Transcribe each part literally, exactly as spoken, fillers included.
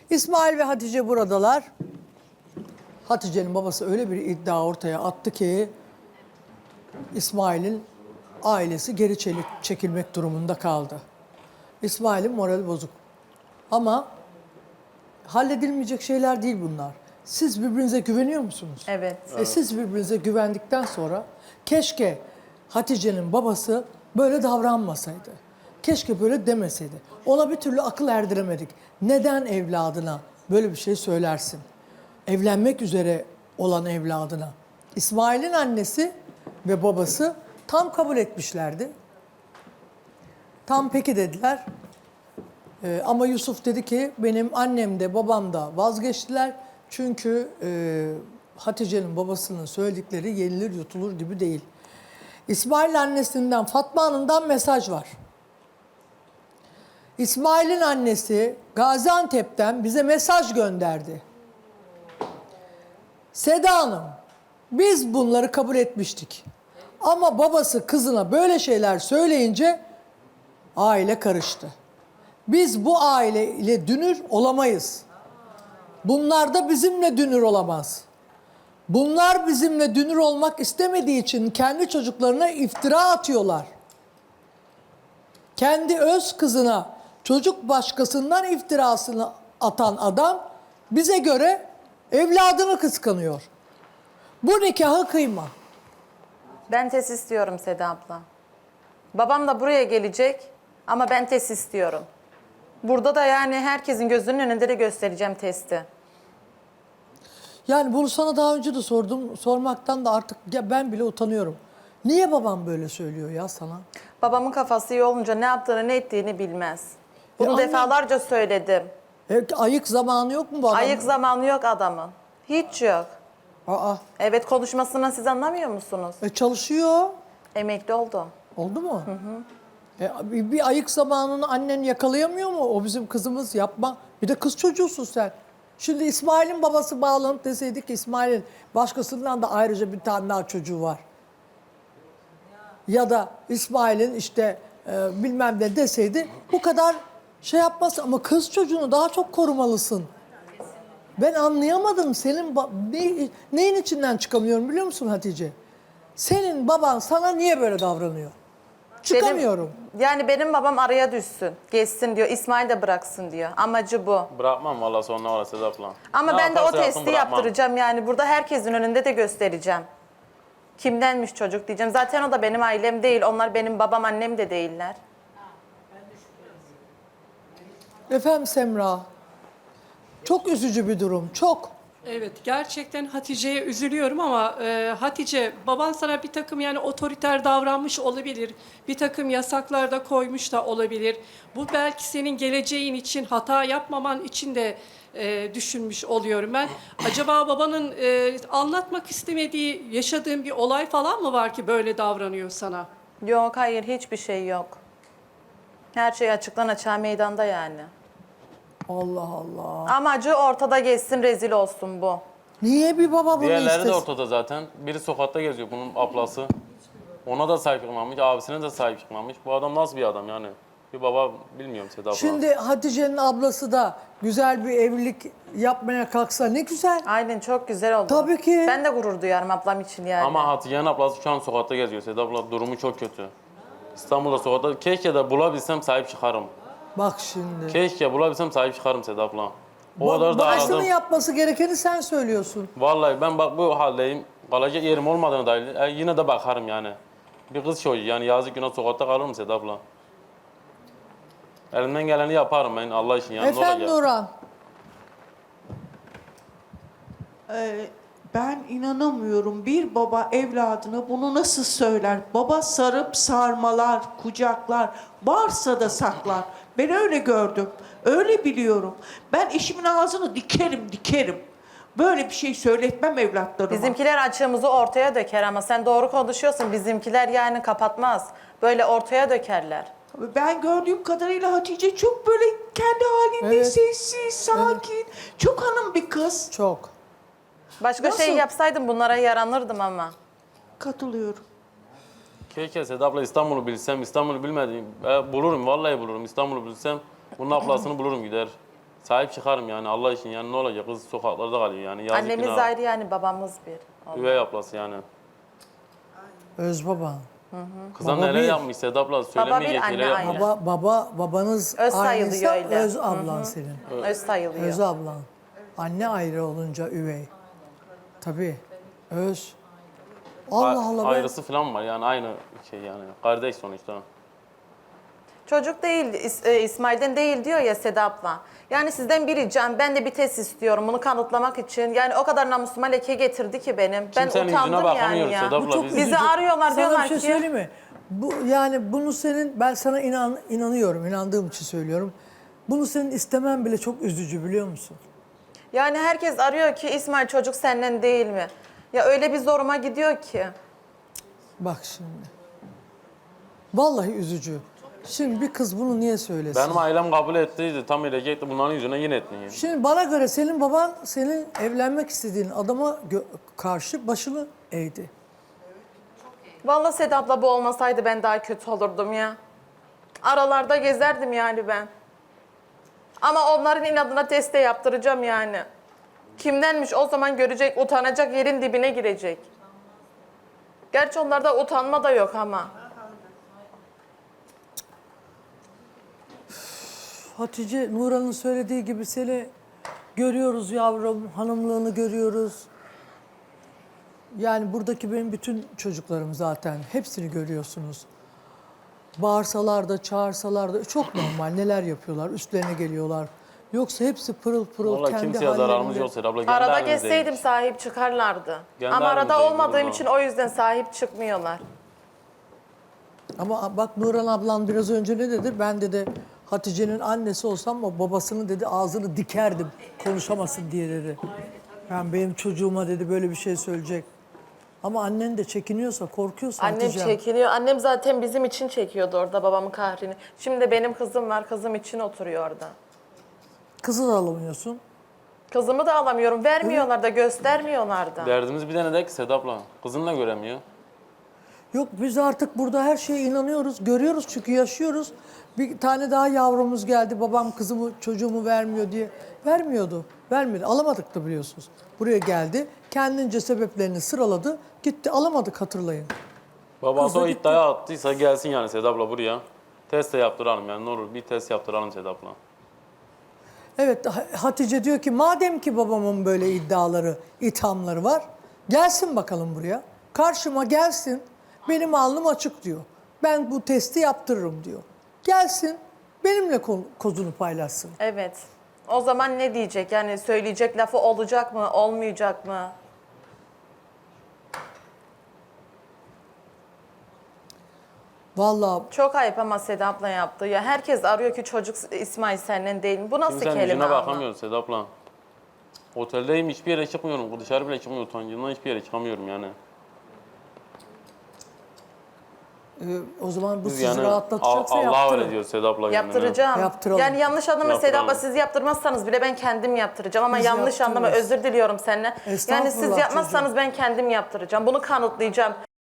İsmail ve Hatice buradalar. Hatice'nin babası öyle bir iddia ortaya attı ki İsmail'in ailesi geri çeli- çekilmek durumunda kaldı. İsmail'in morali bozuk. Ama halledilmeyecek şeyler değil bunlar. Siz birbirinize güveniyor musunuz? Evet. E siz birbirinize güvendikten sonra keşke Hatice'nin babası böyle davranmasaydı. Keşke böyle demeseydi. Ona bir türlü akıl erdiremedik. Neden evladına böyle bir şey söylersin? Evlenmek üzere olan evladına. İsmail'in annesi ve babası tam kabul etmişlerdi. Tam peki dediler. Ee, ama Yusuf dedi ki benim annem de babam da vazgeçtiler. Çünkü e, Hatice'nin babasının söyledikleri yenilir yutulur gibi değil. İsmail annesinden Fatma Hanım'dan mesaj var. İsmail'in annesi Gaziantep'ten bize mesaj gönderdi. Seda Hanım, biz bunları kabul etmiştik. Ama babası kızına böyle şeyler söyleyince aile karıştı. Biz bu aile ile dünür olamayız. Bunlar da bizimle dünür olamaz. Bunlar bizimle dünür olmak istemediği için kendi çocuklarına iftira atıyorlar. Kendi öz kızına çocuk başkasından iftirasını atan adam bize göre evladını kıskanıyor. Bu nikahı kıyma. Ben test istiyorum Seda abla. Babam da buraya gelecek ama ben test istiyorum. Burada da yani herkesin gözünün önünde de göstereceğim testi. Yani bunu sana daha önce de sordum. Sormaktan da artık ya ben bile utanıyorum. Niye babam böyle söylüyor ya sana? Babamın kafası iyi olunca ne yaptığını ne ettiğini bilmez. Bunu E anne- defalarca söyledim. E, ayık zamanı yok mu bu adamın? Ayık zamanı yok adamın. Hiç yok. Aa, Evet, konuşmasından siz anlamıyor musunuz? e, çalışıyor. Emekli oldu. Oldu mu? Hı hı. E, bir, bir ayık zamanını annen yakalayamıyor mu? O bizim kızımız, yapma. Bir de kız çocuğusun sen. Şimdi İsmail'in babası bağlanıp deseydik ki İsmail'in başkasından da ayrıca bir tane daha çocuğu var. Ya da İsmail'in işte e, bilmem ne deseydi bu kadar şey yapmaz. Ama kız çocuğunu daha çok korumalısın. Ben anlayamadım senin ba- ne, neyin içinden çıkamıyorum biliyor musun Hatice? Senin baban sana niye böyle davranıyor? Çıkamıyorum. Benim, yani benim babam araya düşsün, geçsin diyor. İsmail de bıraksın diyor. Amacı bu. Bırakmam valla sonuna var Sedat abla. Ama Ne ben de o yaparsa yapsın testi bırakmam. yaptıracağım yani. Burada herkesin önünde de göstereceğim. Kimdenmiş çocuk diyeceğim. Zaten o da benim ailem değil. Onlar benim babam, annem de değiller. Efendim Semra, çok üzücü bir durum, çok. Evet, gerçekten Hatice'ye üzülüyorum ama e, Hatice, baban sana bir takım yani otoriter davranmış olabilir. Bir takım yasaklar da koymuş da olabilir. Bu belki senin geleceğin için, hata yapmaman için de e, düşünmüş oluyorum ben. Acaba babanın e, anlatmak istemediği, yaşadığın bir olay falan mı var ki böyle davranıyor sana? Yok, hayır, hiçbir şey yok. Her şey açıktan açığa meydanda yani. Allah Allah. Amacı ortada geçsin, rezil olsun bu. Niye bir baba bunu Diğerleri istesin? de ortada zaten. Biri sokakta geziyor bunun ablası. Ona da sahip çıkmamış, abisine de sahip çıkmamış. Bu adam nasıl bir adam yani? Bir baba bilmiyorum Sedat abla. Şimdi Hatice'nin ablası da güzel bir evlilik yapmaya kalksa ne güzel. Aynen, çok güzel oldu. Tabii ki. Ben de gurur duyarım ablam için yani. Ama Hatice'nin ablası şu an sokakta geziyor Sedat abla. Durumu çok kötü. İstanbul'da sokakta. Keşke de bulabilsem sahip çıkarım. Bak şimdi. Keşke bulabilsem sahip çıkarım Sedat abla. O Ba- kadar da Babasının aradım. yapması gerekeni sen söylüyorsun. Vallahi ben bak bu haldeyim. Kalacak yerim olmadığını dair e, yine de bakarım yani. Bir kız çocuğu yani yazık günah sokakta kalır mı Sedat abla? Elimden geleni yaparım ben Allah için yani. Efendim Nurhan. Ee, ben inanamıyorum. Bir baba evladına bunu nasıl söyler? Baba sarıp sarmalar, kucaklar, varsa da saklar. Ben öyle gördüm, öyle biliyorum. Ben eşimin ağzını dikerim, dikerim. Böyle bir şey söyletmem evlatlarıma. Bizimkiler açığımızı ortaya döker ama sen doğru konuşuyorsun. Bizimkiler yani kapatmaz. Böyle ortaya dökerler. Ben gördüğüm kadarıyla Hatice çok böyle kendi halinde Evet. sessiz, sakin, çok hanım bir kız. Çok. Başka Nasıl? şey yapsaydım bunlara yaranırdım ama. Katılıyorum. Keşke Sedat abla İstanbul'u bilsem, İstanbul'u bilmediğim, e, bulurum vallahi bulurum. İstanbul'u bilsem bunun ablasını bulurum gider. Sahip çıkarım yani Allah için yani ne olacak kız sokaklarda kalıyor yani. Yazık Annemiz günah. ayrı yani babamız bir. Üvey ablası yani. Öz baba. Kıza Baba neler bir. yapmış Sedat abla söylemeyecek anne neler yapmış. aynı. Baba, baba, babanız Öz aynıysa sayılıyor öyle. öz ablan senin. Öz sayılıyor. Öz ablan. Anne ayrı olunca üvey. Tabii. Öz. Allah Allah. ben- Ayrısı falan var yani aynı şey yani. Kardeş sonuçta. Çocuk değil, İs- e, İsmail'den değil diyor ya Seda abla. Yani sizden bir ricam, ben de bir test istiyorum bunu kanıtlamak için. Yani o kadar namusuma leke getirdi ki benim. Ben Kimsenin yüzüne utandım yani bakamıyoruz ya. Seda abla. Bu çok biz- Bizi üzücü. arıyorlar, Sana diyorlar bir şey ki- söyleyeyim mi? Bu, yani bunu senin, ben sana inan, inanıyorum, inandığım için söylüyorum. Bunu senin istemen bile çok üzücü biliyor musun? Yani herkes arıyor ki İsmail çocuk senden değil mi? Ya öyle bir zoruma gidiyor ki. Bak şimdi. Vallahi üzücü. Şimdi bir kız bunu niye söylesin? Benim ailem kabul ettiydi. Tam edecekti. Bunların yüzüne yine etmiyor. Şimdi bana göre senin baban senin evlenmek istediğin adama gö- karşı başını eğdi. Vallahi Seda abla bu olmasaydı ben daha kötü olurdum ya. Aralarda gezerdim yani ben. Ama onların inadına test de yaptıracağım yani. Kimdenmiş o zaman görecek, utanacak, yerin dibine girecek. Gerçi onlarda utanma da yok ama. Hatice, Nurhan'ın söylediği gibi seni görüyoruz yavrum, hanımlığını görüyoruz. Yani buradaki benim bütün çocuklarım zaten, hepsini görüyorsunuz. Bağırsalar da, çağırsalar da çok normal neler yapıyorlar, üstlerine geliyorlar. Yoksa hepsi pırıl pırıl Vallahi kendi kimseye zararımız hallerinde. yok Sedat abla. Kendi Arada halimizdeydik. gezseydim sahip çıkarlardı. Kendi Ama arada halimizdeydik olmadığım burada. için o yüzden sahip çıkmıyorlar. Ama bak Nurhan ablan biraz önce ne dedi? Ben dedi Hatice'nin annesi olsam o babasının dedi ağzını dikerdim konuşamasın diye dedi. Ben benim çocuğuma dedi böyle bir şey söyleyecek. Ama annen de çekiniyorsa, korkuyorsa Annem Hatice. çekiniyor. Annem zaten bizim için çekiyordu orada babamın kahrini. Şimdi de benim kızım var. Kızım için oturuyor orada. Kızı da alamıyorsun. Kızımı da alamıyorum. Vermiyorlar da, göstermiyorlar da. Derdimiz bir tane de ki Sedat abla. Kızını da göremiyor. Yok biz artık burada her şeye inanıyoruz, görüyoruz çünkü yaşıyoruz. Bir tane daha yavrumuz geldi, babam kızımı, çocuğumu vermiyor diye. Vermiyordu, vermedi. Alamadık da biliyorsunuz. Buraya geldi, kendince sebeplerini sıraladı, gitti. Alamadık hatırlayın. Babası Kız da o gitti. iddiaya attıysa gelsin yani Sedat abla buraya. Test de yaptıralım yani ne olur bir test yaptıralım Sedat abla. Evet, Ha- Hatice diyor ki madem ki babamın böyle iddiaları, ithamları var, gelsin bakalım buraya. Karşıma gelsin, benim alnım açık diyor. Ben bu testi yaptırırım diyor. Gelsin, benimle ko- kozunu paylaşsın. Evet. O zaman ne diyecek? Yani söyleyecek lafı olacak mı, olmayacak mı? Vallahi Çok ayıp ama Seda abla yaptı. Ya herkes arıyor ki çocuk İsmail senden değil mi? Bu nasıl Kimsenin kelime yüzüne ama? bakamıyoruz Sedat abla. Oteldeyim hiçbir yere çıkmıyorum. Dışarı bile çıkmıyorum. Utancımdan hiçbir yere çıkamıyorum yani. e, o zaman bu Biz sizi yani rahatlatacaksa Al- Allah'a yaptırın. öyle diyor Sedat abla. kendine. Yaptıracağım. Yaptıralım. Yani yanlış anlama Seda abla, Yaptıralım. siz yaptırmazsanız bile ben kendim yaptıracağım ama Biz yanlış anlama, yaptırırız. özür diliyorum seninle. Yani Estağfurullah siz yapmazsanız ben kendim yaptıracağım. Bunu kanıtlayacağım.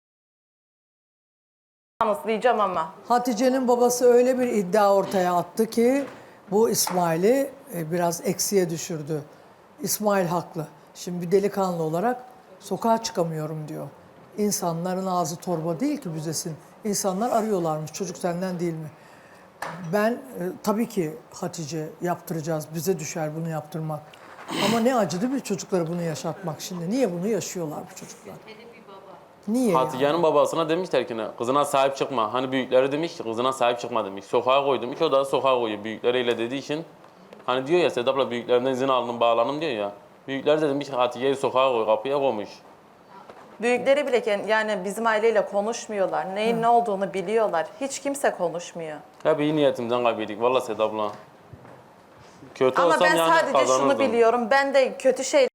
Kanıtlayacağım ama. Hatice'nin babası öyle bir iddia ortaya attı ki bu İsmail'i e, biraz eksiye düşürdü. İsmail haklı. Şimdi bir delikanlı olarak sokağa çıkamıyorum diyor. İnsanların ağzı torba değil ki büzesin. İnsanlar arıyorlarmış çocuk senden değil mi? Ben e, tabii ki Hatice yaptıracağız. Bize düşer bunu yaptırmak. Ama ne acı değil mi çocuklara bunu yaşatmak şimdi? Niye bunu yaşıyorlar bu çocuklar? Niye yani? Hatice'nin babasına demişler ki ne, kızına sahip çıkma. Hani büyükleri demiş ki kızına sahip çıkma demiş. Sokağa koy demiş. O da sokağa koyuyor büyükleriyle dediği için. Hani diyor ya Sedat abla büyüklerinden izin aldım bağlanım diyor ya. Büyükler de demiş ki Hatice'yi sokağa koy kapıya koymuş. Büyükleri bile ken- yani bizim aileyle konuşmuyorlar. Neyin ne olduğunu biliyorlar. Hiç kimse konuşmuyor. Hep iyi niyetimden kaybettik. Valla Sedat abla. Kötü Ama olsam ben yani sadece şunu kazanırdım. biliyorum. Ben de kötü şey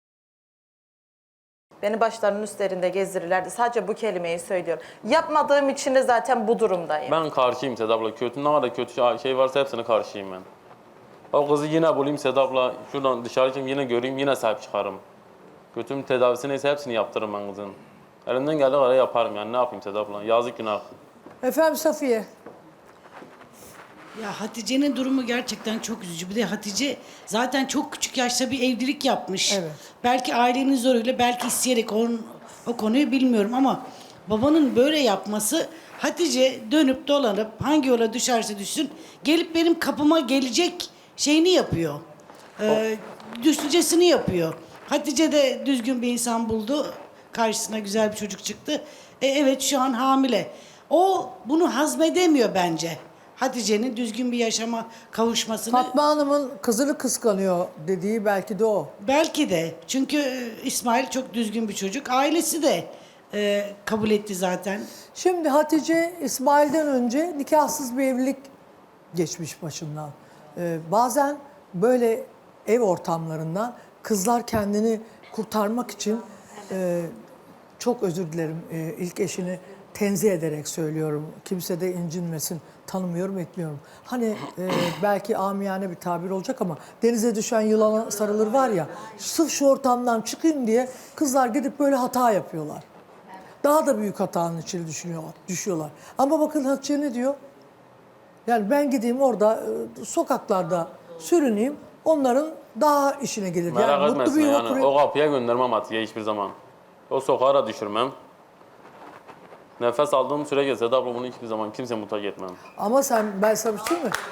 beni başlarının üstlerinde gezdirirlerdi. Sadece bu kelimeyi söylüyorum. Yapmadığım için de zaten bu durumdayım. Ben karşıyım Sedat abla. Kötü ne kadar kötü şey varsa hepsine karşıyım ben. O kızı yine bulayım Sedat abla. Şuradan dışarı çıkayım yine göreyim yine sahip çıkarım. Kötüm tedavisi neyse hepsini yaptırırım ben kızın. Elimden geldiği kadar yaparım yani ne yapayım Sedat abla. Yazık günah. Efendim Safiye. Ya Hatice'nin durumu gerçekten çok üzücü. Bir de Hatice zaten çok küçük yaşta bir evlilik yapmış. Evet. Belki ailenin zoruyla, belki isteyerek onun, o konuyu bilmiyorum ama babanın böyle yapması, Hatice dönüp dolanıp hangi yola düşerse düşsün gelip benim kapıma gelecek şeyini yapıyor. Ee, düşüncesini yapıyor. Hatice de düzgün bir insan buldu. Karşısına güzel bir çocuk çıktı. E, evet şu an hamile. O bunu hazmedemiyor bence. Hatice'nin düzgün bir yaşama kavuşmasını. Fatma Hanım'ın kızını kıskanıyor dediği belki de o. Belki de. Çünkü e, İsmail çok düzgün bir çocuk. Ailesi de e, kabul etti zaten. Şimdi Hatice İsmail'den önce nikahsız bir evlilik geçmiş başından. Ee, bazen böyle ev ortamlarından kızlar kendini kurtarmak için e, çok özür dilerim e, ilk eşini tenzih ederek söylüyorum. Kimse de incinmesin. Tanımıyorum, etmiyorum. Hani e, belki amiyane bir tabir olacak ama denize düşen yılana sarılır var ya. Sırf şu ortamdan çıkayım diye kızlar gidip böyle hata yapıyorlar. Daha da büyük hatanın içine düşünüyorlar, düşüyorlar. Ama bakın Hatice ne diyor? Yani ben gideyim orada e, sokaklarda sürüneyim. Onların daha işine gelir. Merak yani mutlu etmesin bir yuva yani. kurayım. O kapıya göndermem Hatice'yi hiçbir zaman. O sokağa da düşürmem. Nefes aldığım sürece Seda abla bunu hiçbir zaman kimse mutlaka etmem. Ama sen, ben sana bir şey söyleyeyim mi?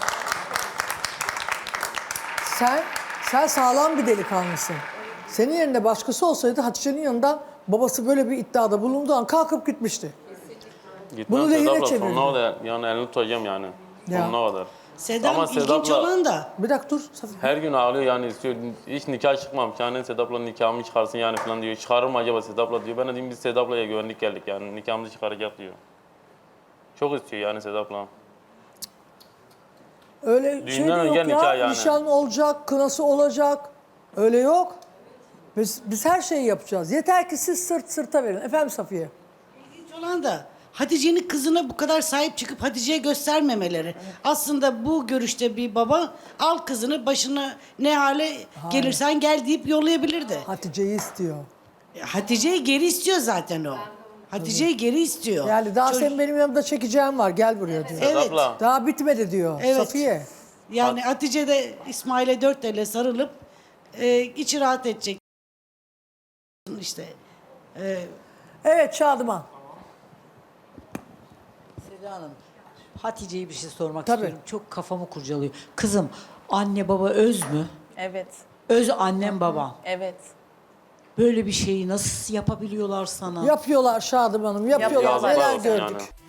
Sen, sen sağlam bir delikanlısın. Senin yerinde başkası olsaydı Hatice'nin yanından babası böyle bir iddiada bulunduğu an kalkıp gitmişti. Gitmem Bunu Seda lehine abla çevirdin. sonuna kadar yani elini tutacağım yani. Ya. Sonuna kadar. Sedam Ama Seda ilginç abla- olan da Bir dakika dur. Safiye. Her gün ağlıyor yani istiyor. Hiç nikah çıkmamış yani Seda abla nikahımı çıkarsın yani falan diyor. Çıkarır mı acaba Seda abla diyor. Ben de diyeyim biz Seda ablaya güvendik geldik yani nikahımızı çıkaracak diyor. Çok istiyor yani Seda abla. Öyle şey de Düğünden yok önce ya. nikah yani. Nişan olacak, kınası olacak. Öyle yok. Biz, biz her şeyi yapacağız. Yeter ki siz sırt sırta verin. Efendim Safiye. ilginç olan da Hatice'nin kızına bu kadar sahip çıkıp Hatice'ye göstermemeleri. Aslında bu görüşte bir baba al kızını başına ne hale gelirsen gel deyip yollayabilirdi. Hatice'yi istiyor. Hatice'yi geri istiyor zaten o. Hatice'yi geri istiyor. Yani daha Çocuk- senin benim yanımda çekeceğim var. Gel buraya diyor. Evet. Seda abla. Daha bitmedi diyor Evet. Safiye. Yani Hatice de İsmail'e dört elle sarılıp e, içi rahat edecek. İşte e, Evet Şadıman. Seda Hanım, Hatice'ye bir şey sormak Tabii. istiyorum. Çok kafamı kurcalıyor. Kızım, anne baba öz mü? Evet. Öz annem babam. Evet. Böyle bir şeyi nasıl yapabiliyorlar sana? Yapıyorlar Şadıman'ım. Yapıyorlar. Yapıyorlar. Neler Yazıklar olsun gördük. yani.